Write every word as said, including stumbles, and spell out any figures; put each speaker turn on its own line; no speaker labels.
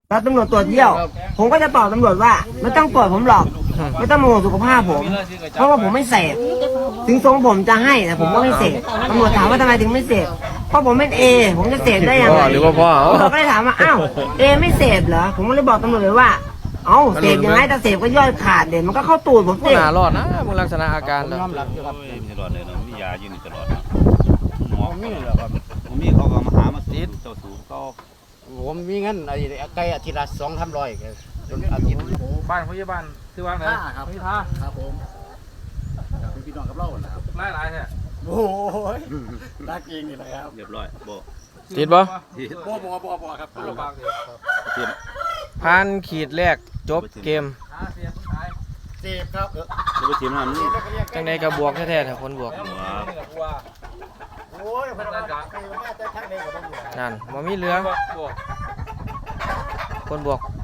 แล้วตำรวจตรวจเยี่ยวผมก็จะตอบตำรวจว่าไม่ต้องตรวจผมหรอกไม่ต้องมาห่วงสุขภาพผมเพราะว่าผมไม่เสพถึงทรงผมจะให้แต่ผมก็ไม่เสพตำรวจถามว่าทำไมถึงไม่เสพเพราะผมเป็นเอผมจะเสพได้ยังไง
หรือว่าพ่อ
ตำรวจก็เลยถามว่าอ้าวเอไม่เสพเหรอผมก็เลยบอกตำรวจเลยว่าเอ้าเสพยังไงถ้าเสพก็ย่อยขาดเดี๋ยวมันก็เข้าตูดผม
มึง
สิ
น่ารอดนะมึงลักษณะอาการแล้ว
ยอมรับอยู่ครับ
โอ้ยมีตลอดเลยเนาะมียาอยู่นี่ตลอดเนาะหมอ
ผมมีเหรอครับ
ผมมีเขาก็มาหามาสูบเจ้าสูบเขา
ผมมีเงินไอ้ไก่อาทิตย์ละสองพันร้อยจนอาทิตย์
บ้านพยาบาลคือว่างไหน
ท่าครับ
พี่ท่า
ครับผมเป็นพี่น้องกับเรานะครับ
ไล่หลายแท้
โอ้ยรักเองนี่แหละครับ
เรียบร้อยโบ
ติดบ่
ที่
บ่บ่บ่บ่ครับ
คนละบางเดียว
ที่
ผ่านขีดแรกจบเกม
หาเสียคนขาย
เจ็บครับ
ที่ไปทีมนั้นนี่
จังใดก็บวกแท้ๆถ้าคนบวก
แล้วมึงนี่กับกูว่า
โอ้ยพนักงานใครมาแต่ทั้งนี้ก็บ่อยู่
นั่นบ่มีเหลือ
บวก
คนบวก